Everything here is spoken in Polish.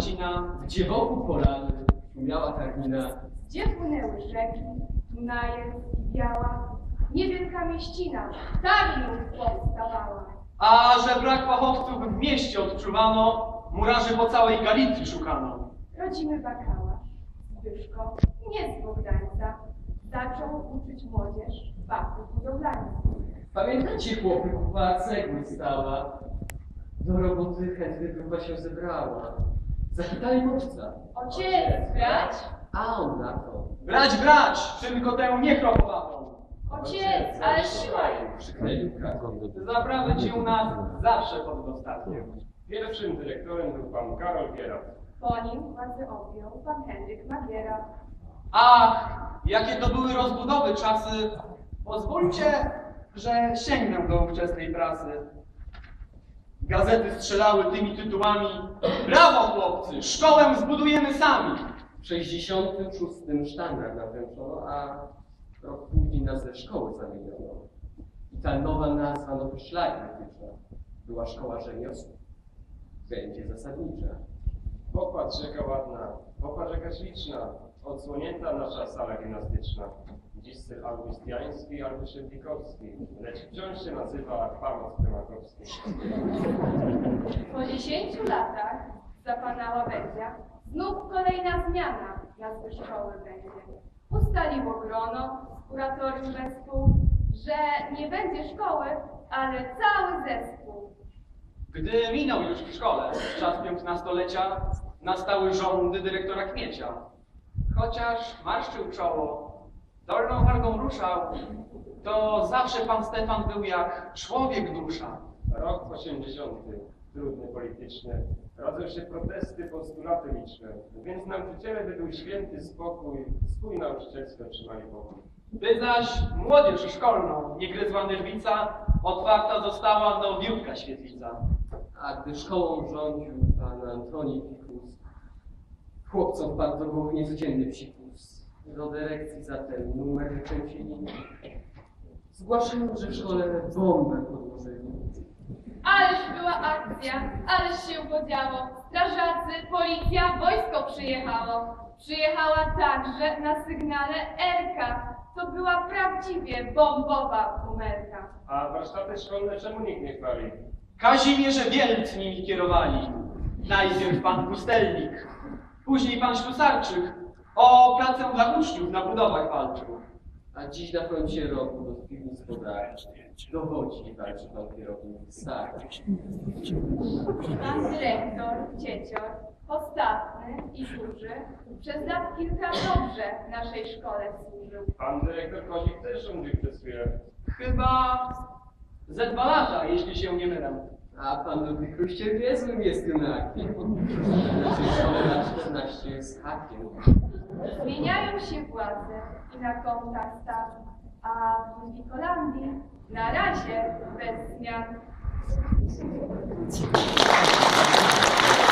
trzcina, gdzie wokół polany szumiała karmina, Gdzie płynęły rzeki, Dunaje i Biała, niewielka mieścina, tam już powstawała. a że brak fachowców w mieście odczuwano, murarzy po całej Galicji szukano. Rodzimy bakalarz, Zbyszko, nie z Bogdańca, zaczął uczyć młodzież fachów budowlanych. Pamiętacie, chłopy, kupa cegły stała, do roboty chętnie grupa się zebrała. Zachitali chłopca, Ociec, brać? a on na to. Brać, czym tę niechropowatą. Ociec, ale siłaj! Krzyknęli kratką. Zaprawy ci u nas zawsze pod dostatkiem. Pierwszym dyrektorem był pan Karol Gierat. Po nim władzę objął pan Henryk Magiera. Ach, jakie to były rozbudowy czasy. Pozwólcie, że sięgnę do ówczesnej prasy. Gazety strzelały tymi tytułami: brawo chłopcy, szkołę zbudujemy sami. W 66 sztandar nawręczono, a rok później nazwę szkoły zamieniono. I ta nowa nazwa, nowy szlak wytycza, była szkoła rzemiosł. Będzie zasadnicza. Popatrz jaka ładna, popatrz jaka śliczna, odsłonięta nasza sala gimnastyczna. Dziś styl augustiański albo szybnikowski, lecz wciąż się nazywa pałac prymakowski. Po 10 latach za pana Łabędzia znów kolejna zmiana nazwy szkoły będzie. Ustaliło grono z kuratorium wespół, że nie będzie szkoły, ale cały zespół. Gdy minął już w szkole czas 15-lecia, nastały żądy dyrektora Kmiecia. Chociaż marszczył czoło, dolną wargą ruszał, to zawsze pan Stefan był jak człowiek dusza. Rok 80, trudny polityczny, rodzą się protesty, postulaty liczne, więc nauczyciele według święty spokój, swój nauczycielstwo trzymali pokój. By zaś młodzież szkolną nie gryzła nerwica, otwarta została nowiutka świetlica. A gdy szkołą rządził pan Antoni Fikus, chłopcom wpadł do głowy niecodzienny psikus. Do dyrekcji zatem numer wykręcili. Zgłaszają, że w szkole bombę podłożyli. Ależ była akcja, ależ się podziało. Strażacy, policja, wojsko przyjechało. Przyjechała także na sygnale Erka. To była prawdziwie bombowa bumerka. A warsztaty szkolne czemu nikt nie chwali? Kazimierze Wielc nimi kierowali. Najpierw pan Pustelnik, później pan Ślusarczyk o pracę dla uczniów na budowach walczył. A dziś na froncie roku do piwnic pobrać. Dowodzi i walczy pan kierownik stary. Pan dyrektor, ciecior, postawny i duży, przez lat kilka dobrze naszej szkole służył. Pan dyrektor Kozik też rządził przez chwilę. Chyba ze 2 lata, jeśli się nie mylę. A pan Ludwik Kruściel niezłym jest junakiem. Naszej szkole na 14 z hakiem. Zmieniają się władze i na kontach staw, a w Ludwikolandii na razie bez zmian.